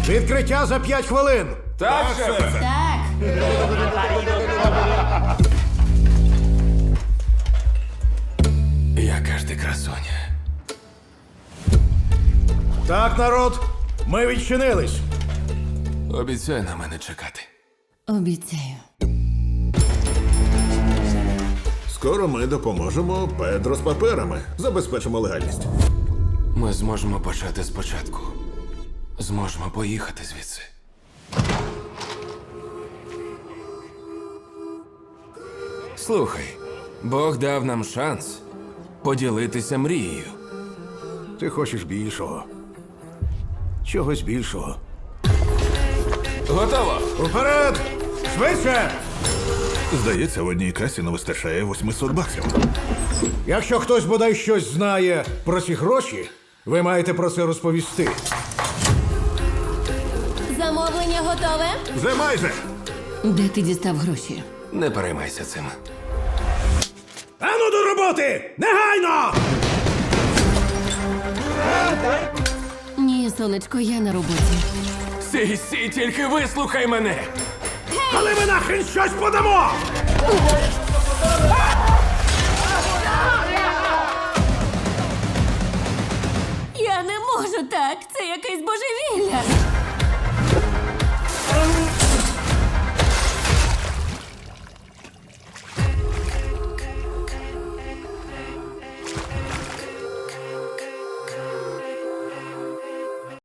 Відкриття за 5 хвилин. Так, шефе. Так. Яка ж ти красуня. Так, народ, ми відчинились. Обіцяй на мене чекати. Обіцяю. Скоро ми допоможемо Педро з паперами. Забезпечимо легальність. Ми зможемо почати спочатку. Зможемо поїхати звідси. Слухай, Бог дав нам шанс поділитися мрією. Ти хочеш більшого. Чогось більшого. Готово! Уперед! Швидше! Здається, в одній касі не вистачає 800 баксів. Якщо хтось бодай щось знає про ці гроші, ви маєте про це розповісти. Замовлення готове? Вже майже! Де ти дістав гроші? Не переймайся цим. Ану до роботи! Негайно! Ні, сонечко, я на роботі. Сі, тільки вислухай мене! Але ми нахрен щось подамо! Я не можу так. Це якесь божевілля.